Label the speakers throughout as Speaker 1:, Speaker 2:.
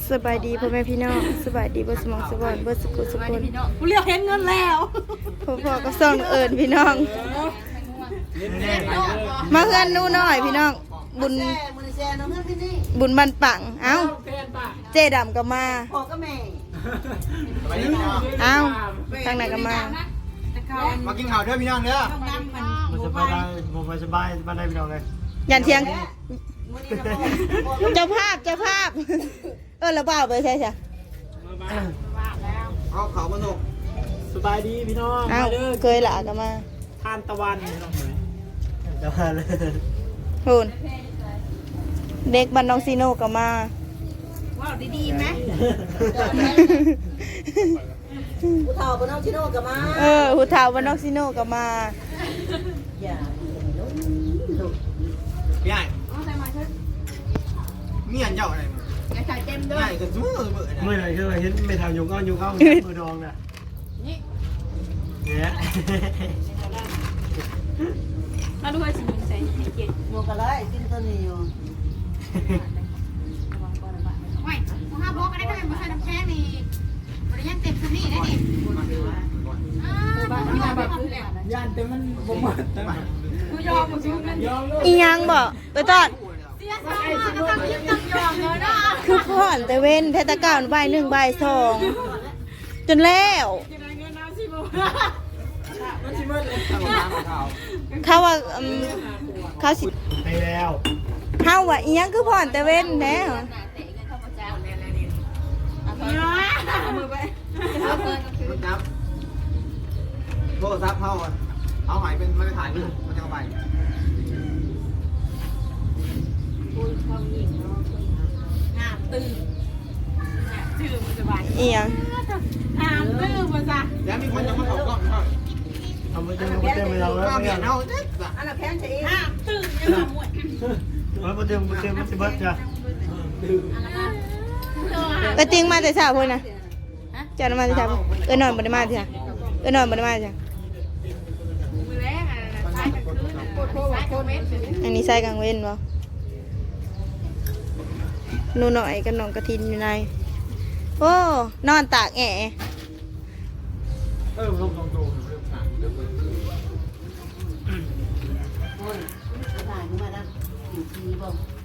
Speaker 1: สบายดีพ่อแม่พี่น้องสบายดีบ่สมองสบอนบ่สุขสุขคน
Speaker 2: กูเรียกเห็นเงินแล้ว
Speaker 1: พ่อก็ส่องเอิญพี่น้องมาเฮือนหนูน้อยพี่น้องบุญบุญบันปังเอ้าเจดำก็มาเอ้าทางไหนก็มา
Speaker 3: มากินข้าวด้วยพี่น้องเด้อมันสบายผมสบายบ้านได้พี่น้องเลย
Speaker 1: ยันเที่ยงเจ้าภาพระเบ้าไปใช่ใช่
Speaker 3: เอาเขามาส่ง
Speaker 2: สบายดีพี่น้อง
Speaker 1: เอ้าเคยละก็มา
Speaker 2: ทานตะวันพี่น้องเลย
Speaker 3: เดี๋ยวมาเลย
Speaker 1: พูนเด็กบ้านน้องซีโน่ก็มา
Speaker 2: ว้าวดีๆไหม
Speaker 4: ผู้เฒ่าบ้านน้องชิโน่ก็มา
Speaker 1: หูเท้าบ้านน้องซีโน่ก็มา
Speaker 4: อย่า
Speaker 3: พี่ใหญ่เมียนเจ้าอะไร
Speaker 2: อย่าใส่เต็มด้ว
Speaker 3: ใหญ่
Speaker 2: ย
Speaker 3: กันสู้เบื่อ
Speaker 5: เมื่อไหร่คือเห็นไม่ทำยุงเอายุงเข้ามือดองน่ะเนี่ย
Speaker 2: มาดูให้สิมึงใส่เกียรติ
Speaker 4: โมกะไรกินตัวนี้อยู่
Speaker 2: ไม่ห้าบล็อกอะไรก็เป็นมาใส่น้ำแข็งนี่บริยันเต็มสนี่ได้ดิบ้านแบบยันเต็มมันบ่หมดกูยอมมึงกันยอม
Speaker 1: อีหยังบ่ตัวตอด
Speaker 2: เสียสองก็ต้องยึดต้องยอมเลยนะ
Speaker 1: คือพ่อนแต่เว้นเทศกาลบ่ายหนึ่งบ่ายสองจนแล้วเขาว่าเขาสิ
Speaker 5: ไปแล้ว
Speaker 1: เขาว่าอีหยังคือพ่อนแต่เว้นแน่
Speaker 2: มือไป
Speaker 3: มันจับโทรศัพท์เขาเอาหายเป็นมันจะถ่ายรูปมันจะเอาไป
Speaker 2: งามตื่นชื่อมันจะบาน
Speaker 1: อีหยัง
Speaker 2: งามตื่นมาจ้ะ
Speaker 3: แล้วมีคนจะมาขอกล้องเขา
Speaker 5: ทำมาเต็มมาเต็มไปแล้ว
Speaker 3: ข้าวเมียนเอาเด็ด
Speaker 4: อันนั้นแพงใช่เอง
Speaker 2: งามตื่นยังมาหมด
Speaker 5: มาเต็มมาเต็มมาสิบัตจ้ะ
Speaker 1: ก็จริงมาแต่เช้าพุ่นนะเจ้ามาแต่เช้าหน่อยบ่ได้มาเถอะหน่อยบ่ได้มาเถอะ
Speaker 2: มือแรกอ่ะใช้กันคืนโคตรโคตรเม็ด
Speaker 1: อันนี้ใส่กลางเว้นบ่หนูหน่อยกับน้องกระทินอยู่ในโอ้นอนตากแอะ
Speaker 3: ลงตรง
Speaker 4: โอ้ยถ่ายมาแล้วอยู่ทีบ่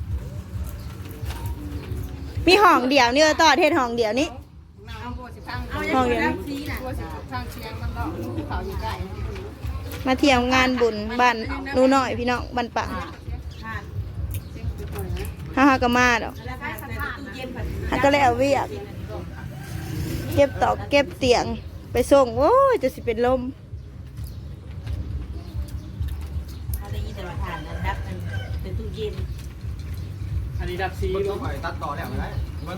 Speaker 1: มีห้องเดียวนี่ต่อเทศห้องเดียวนี้
Speaker 2: เอาโบสิพังเอาอย่างนี้ซีน่ะโบสิพังเชียงมันก็เขาอยู่ใกล้
Speaker 1: มาเที่ยวงานบุญบ้านหนูหน่อยพี่น้องบ้านปังฮ่าก็มาดอก
Speaker 2: แล้วก็สถานตู้เย็นผัด
Speaker 1: ฮักก็เลยเอาเวียกเก็บตอกเก็บเตียงไปส่งโอ้ยจะสิเป็นลม
Speaker 4: เขาได้ยินแต่ว่าทานนั้นดับมันเป็นตู้เย็น
Speaker 2: อันนี้ดับซี
Speaker 3: มันต้องไปตัดต่อแล้วได้มัน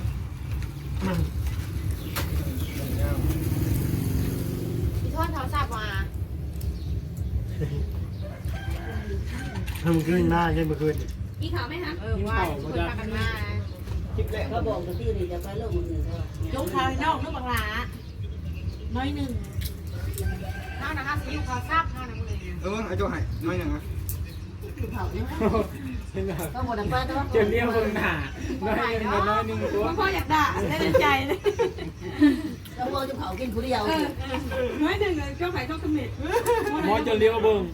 Speaker 2: พี่ทอดเขาทราบมา
Speaker 5: ทำขึ้นหน้าใช่เมื่อคืน
Speaker 2: พี่เขาไหมฮะว่าคนพากันมา
Speaker 3: คลิปแรก
Speaker 4: ก็บอกกับที่นี่จะไปโลกอื่นแล้ว
Speaker 2: ยกเขาให้นอกนึกบังลาน้อยหนึ่งน้านะคะสิยกเขาทราบน้านะมึง
Speaker 3: ไอ้โจ้ให้น้อยหนึ่งนะ
Speaker 4: ผู้เฒ่าเนี่ยก็หมดไปแต่ว่า
Speaker 2: เจมเรียกคนหนาน้อยหนึ่งน้อยหนึ่งตัวพ่ออยากด่าได้ใจเลย
Speaker 4: แล้วพอจะเผากินผู้เดียว
Speaker 2: น้อยหนึ่งก็ไปต้องคอมเมนต์
Speaker 6: มอจะเลี้ยวเบิ่ง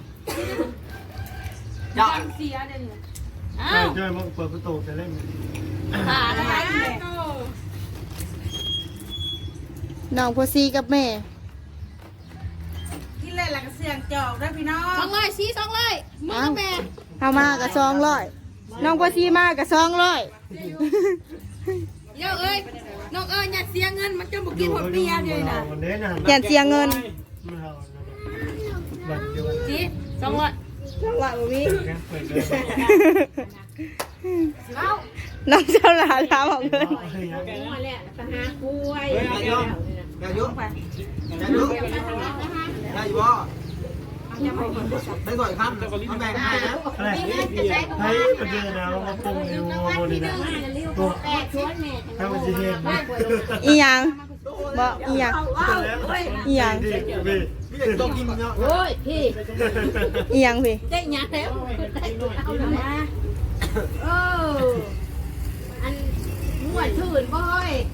Speaker 3: จ้า
Speaker 2: เสียเด่น
Speaker 5: ใช่มาเปิดประตูจะเล่น
Speaker 2: ขาอะไรเนี่ย
Speaker 1: น้องโพซีกับแม่
Speaker 2: กินเลยหลังเสียงจอกได้พี่น้อง200ชี้200มึงกับแม่
Speaker 1: เอามากับ200น้องโพซีมากับ200
Speaker 2: เดี๋ยวเอ้ยน้องอย่าเสียเงินมันจะบุกินหัวเปียเลยนะ
Speaker 5: วันนี้นะ
Speaker 1: อย่าเสียเงิน
Speaker 5: ไม่เอาบัตรเดียวกัน
Speaker 2: ชี้200
Speaker 1: จังหวะบ่มี
Speaker 5: เปิดเลย
Speaker 2: เอา
Speaker 1: น้องเจ้าหลานถามออกเลย
Speaker 2: มาแล้วตาหากล้วย
Speaker 3: อย่ายุ่งอย่ายุ่งอย่ายุ่งอย่าอยู่บ่ได้ก่อยคำต้องแบ่งให้นะ
Speaker 5: อะไรให้ประเดี๋ยวนะมาปรุงในวัวนี่นะตัวให้มันจะเห็น
Speaker 1: อีหยังบ่อีหยังอีหยัง
Speaker 5: พี่
Speaker 3: พี่เด็กต้องกินเนาะ
Speaker 4: โอ้ยพี่
Speaker 1: อีหยังพี่
Speaker 4: ได้หยังแล้วเอามา
Speaker 2: อันนวดชื่นบ่อย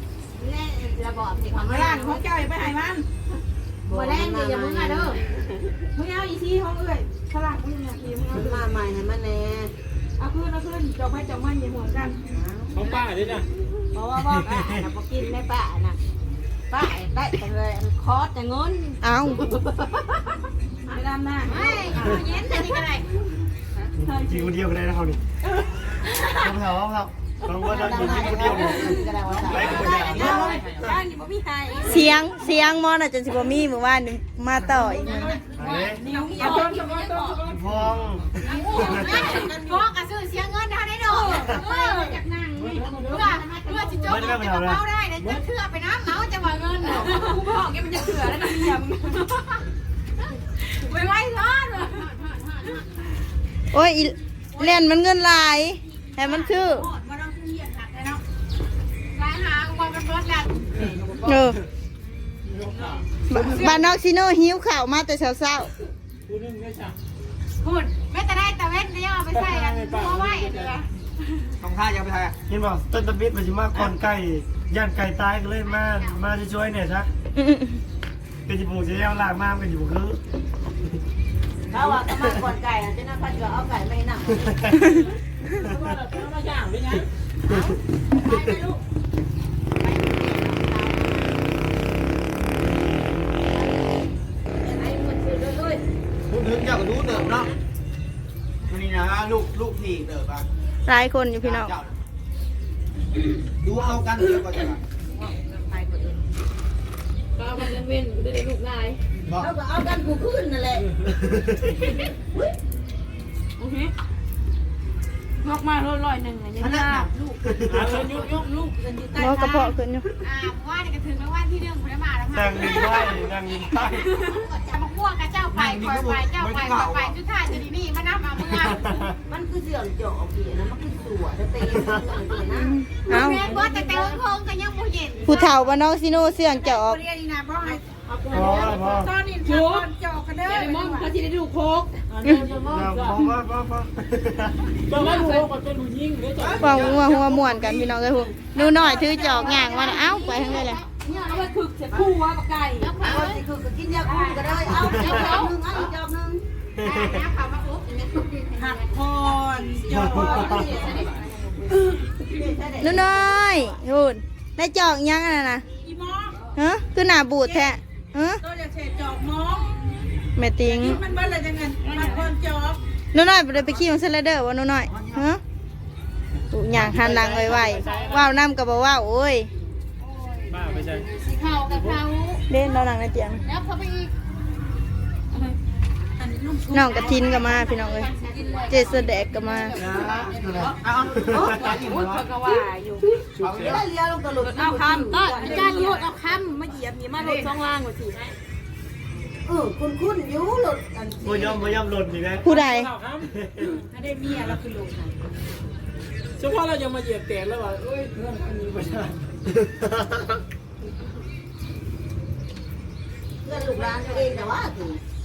Speaker 4: บอกสิความ
Speaker 2: มา
Speaker 4: ไม่
Speaker 2: ล้า
Speaker 4: ได้
Speaker 2: งของเจ้าไปให้มัน
Speaker 4: มาแรงอย่ามึงอ่ะเด้อ
Speaker 2: มึงเอาอีซี่ห้องเอ้ยฝรั่งมึงเนี่ยทีมึงเอา
Speaker 4: มาใหม่ให้มันแน่
Speaker 2: เอาขึ้นจบให้จบมันอย่าห่วงกัน
Speaker 6: ของป้าด้วยนะ
Speaker 4: เพราะว่าพ่อป้าน่ะบ่กินได้ป้าน่ะป้าได้แต่เลยคอสแต่เงิน
Speaker 1: เอา
Speaker 2: ไปดำหน้า
Speaker 4: ไม่เย็นแต่นี่ก็ได้
Speaker 5: กินคนเดียวก็ได้นะเขานี่ต้องเผาครับบางวันเรากินคนเดียวเนี่ยไปกับคนเดียว
Speaker 2: บ้านอยู่บ่มีใคร
Speaker 1: เสียงมอน่ะจนสิบ่มีเมื่อวานนี่มาต่ออีกมื้อ
Speaker 5: เฮ้ย
Speaker 2: นิ้วเอาต้นสมองต้น
Speaker 5: พอง
Speaker 4: พ่อกระซื้อเสียเงินเท่าได้ดอก
Speaker 2: จากนั่งนี่
Speaker 4: เพื่อจะจบจะมาเมาได้นะจะเชื่อไปน้ำเอาจะมาเงิน
Speaker 2: กูบอกแกมันจะเถื่อแล้วนะเมียมึง
Speaker 4: ไม่ไหวร้อนเลย
Speaker 1: โอ้ยอีเล่นมันเงินหลายแต่มันคือ
Speaker 2: มาต้องเหี้ยหักเลยเนาะ
Speaker 4: รายหากูมาเป็นรถแล้ว
Speaker 1: เออบ้านนอกซิโนหิวข้าวมาแต่เช้า
Speaker 6: กูนึ่งได้จ้ะ
Speaker 4: พูดไม่แต่ได้แต่เว้นเนี่ยเอาไปใส่กันตัวไว้เลย
Speaker 3: ต้องท่ายังไปไทย
Speaker 5: เห็นบอกต้นตะบิดมันจะมาก่อนไก่ย่านไก่ตายก็เลยมาช่วยเนี่ยชัก
Speaker 1: ๆ
Speaker 5: เป็นจิบูจะเอาลากมาเป็นจิบูคือ
Speaker 4: เขาว่าก็มาก่อนไก่นะเจ้าหน้าที่ก็เอาไก่ไม่หนัก
Speaker 6: แล้วก็เรามาย่างด้วยไง
Speaker 4: ไปไหมลูกไปคนซื้อเลย
Speaker 3: พูดถึงเจ้าก็รู้เดิมเนาะวันนี้นะลูกพี่เดิมอ่ะ
Speaker 1: หลายคนอยู่พี่น้อง
Speaker 3: ดูเอากันเดี๋ยวก็จะ
Speaker 2: ก็มันเว้นกูได้ลูกนาย
Speaker 3: บอก
Speaker 4: เขาก็เอากันกูขึ้นนั่นแหละ
Speaker 2: โอเคงอกมา100ๆนึงอ่ะยังยากลูก
Speaker 6: อ่ะเชิญยุกยุก
Speaker 2: ลูกกันอยู่ใต้
Speaker 1: หมอกระเพาะขึ้นอยู่
Speaker 4: ว่าเนี่ยก็ถึงแล้วว่าที่เรื่องคนละมาแล้ว
Speaker 5: นั่งยิงไส้นั่งยิงไส้
Speaker 4: จะมาพ่วงกับเจ้าไปคอยไปเจ้าไปคอยไปชุดท่าจะดีนี่มานับมาเมื่อมันคือเสื่อมเจาะพี่นะมันคือสัวจะเตะเลยนะ
Speaker 1: เอา
Speaker 4: แม่ว่าแต่โค้งก็ยังไม่เห็น
Speaker 1: ผู้เฒ่าบ้านนอกซิโนเสื่องจะออก
Speaker 2: เรียนนี่นะบ่ให้
Speaker 5: พอพอ
Speaker 2: ตอนนี้ทำคนจอกกันเด้อไอ้มองเขาสิได้ดูโคก
Speaker 5: พอพอ
Speaker 6: จะมาดูว่าเป็นผู้หญิงได้จ้ะ
Speaker 1: ฟังหัวม่วนกันพี่น้องเอ้ยพูหนูน้อยถือจอกย่างมาน่ะเอ้าไปทางใดล่ะ
Speaker 2: เนี่ยเอาไปฝึกเสร็จคู่ว่าปไก่
Speaker 4: แล้วเขาสิคือกินยาคุมก็ได้เอาเจ้าเขาหนึ่งเอาเจ้าหนึ่งแล้วเขามาอุ๊บ
Speaker 2: หักคอนจอก
Speaker 1: หนูน้อยพูดได้จอกยังอะน่ะ
Speaker 2: อีมอง
Speaker 1: ฮะคือหน้าบูดแท้ฮะ
Speaker 2: ตัวจะเสร็จจอกมอง
Speaker 1: แม่ติง
Speaker 2: มันเบิ้ลอะไรจังเงินมันคนจอก
Speaker 1: หนูน้อยบ่ได้ไปขี่ของสไลเดอร์บ่หนูน้อยฮะตูย่างหันหลังไวๆว้าวน้ำก็บ่ว้าวโอ้ย
Speaker 6: ป้าไปใช่
Speaker 4: สีขาวกับเขา
Speaker 1: เล่นเราหลังในเตียง
Speaker 4: แล้วเขาไปอีก
Speaker 2: อันนี้ลุง
Speaker 1: น้องกระทินก็มาพี่น้องเอ้ยเจสแดกก็มา
Speaker 3: เอาไปอีก
Speaker 2: พูด
Speaker 3: เนาะ
Speaker 2: เขาก็ว่าอยู่
Speaker 4: เลี้ยลงตลก
Speaker 2: เอาคำก็อาจารย์โยดเอาคำมาเหยียบนี่มาลดช่องล่างกว่าสิ
Speaker 4: คุณอยู่หลุดอัน
Speaker 5: พยอมหล่นอีกแล้ว
Speaker 1: ผู้ใด
Speaker 6: ข้าวครับ
Speaker 2: ถ้าได้เมียเราคือลูก
Speaker 6: เฉพาะเรายังมาเหยียบแตกแล้วว่าเอ้ยเรื่องอันนี้ไม่ได้
Speaker 4: เพื่อนลูกร้านตัวเองแต่ว่าคือ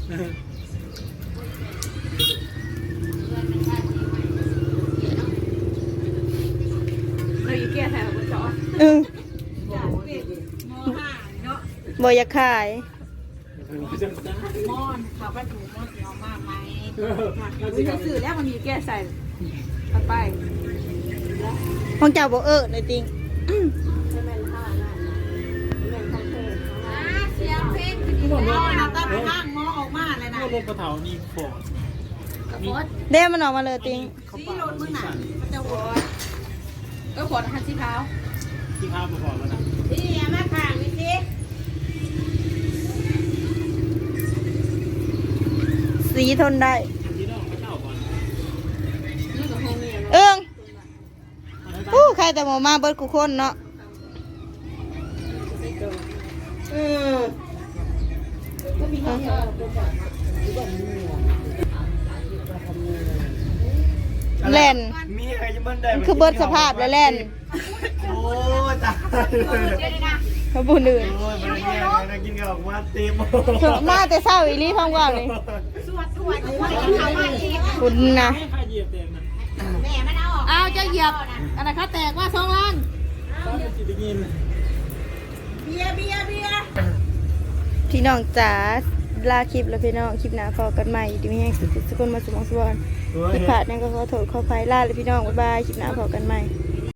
Speaker 2: เราอีแก่แถวจอด
Speaker 1: เออ
Speaker 2: ม.5 เนาะ
Speaker 1: บ่อยากขาย
Speaker 2: มอนเขาไปถูกมอนเสียวมากไหมเราจะสื่อแล้วมันมีแก้ใส่ไป
Speaker 1: ของเจ้าบ่เลยติง
Speaker 4: เสียงเพลงคือ
Speaker 6: ที่บอก
Speaker 2: ม
Speaker 6: ว่า
Speaker 2: อนะตั้งข้างมอออกมาเลยนะ
Speaker 6: รถกระเถามีฟอร์ดมี
Speaker 1: เด้มันออกมาเลยติง
Speaker 2: สีโรดมึงหนามันจะหัวก็หัวหันสีขาว
Speaker 6: ที่ข้าวมาฟอร์ดแล้วนะ
Speaker 4: นี่มาข้างนี่สิ
Speaker 1: สีทนได้
Speaker 6: ที่น้องเขาเช่าก่อน
Speaker 2: นี่กับโฮเมีย
Speaker 1: เอิงใครแต่หมอมาเบิดกูคนเนาะ แล่น
Speaker 5: มีอะไรจะมันได้
Speaker 1: คือเบิดสภาพแล้วแล่น
Speaker 5: โอ้ตาย
Speaker 1: เขาบุญอื่น
Speaker 5: โอ้ยมันแย่นะกินกับมาเต็ม
Speaker 1: มาแต่เศร้าอีหลีพังว่าวนี่
Speaker 4: สวดเขามาอีก
Speaker 1: คุณนะ
Speaker 6: ให้ใครเหยียบแตกนะ
Speaker 4: แม่มันเอาออก
Speaker 2: เอาจะเหยียบอะไรคะแตกว่าช่องล่าง
Speaker 6: ต้องเป็นจิตยิน
Speaker 2: เหยียบ
Speaker 1: พี่น้องจ๋าลาคลิปแล้วพี่น้องคลิปหน้าพอกันใหม่ดีมีแห้งสุดๆทุกคนมาสมองสวรรค์ที่ผ่านนั่นก็ขอโทษขออภัยลาเลยพี่น้องบ๊ายบายคลิปหน้าพอกันใหม่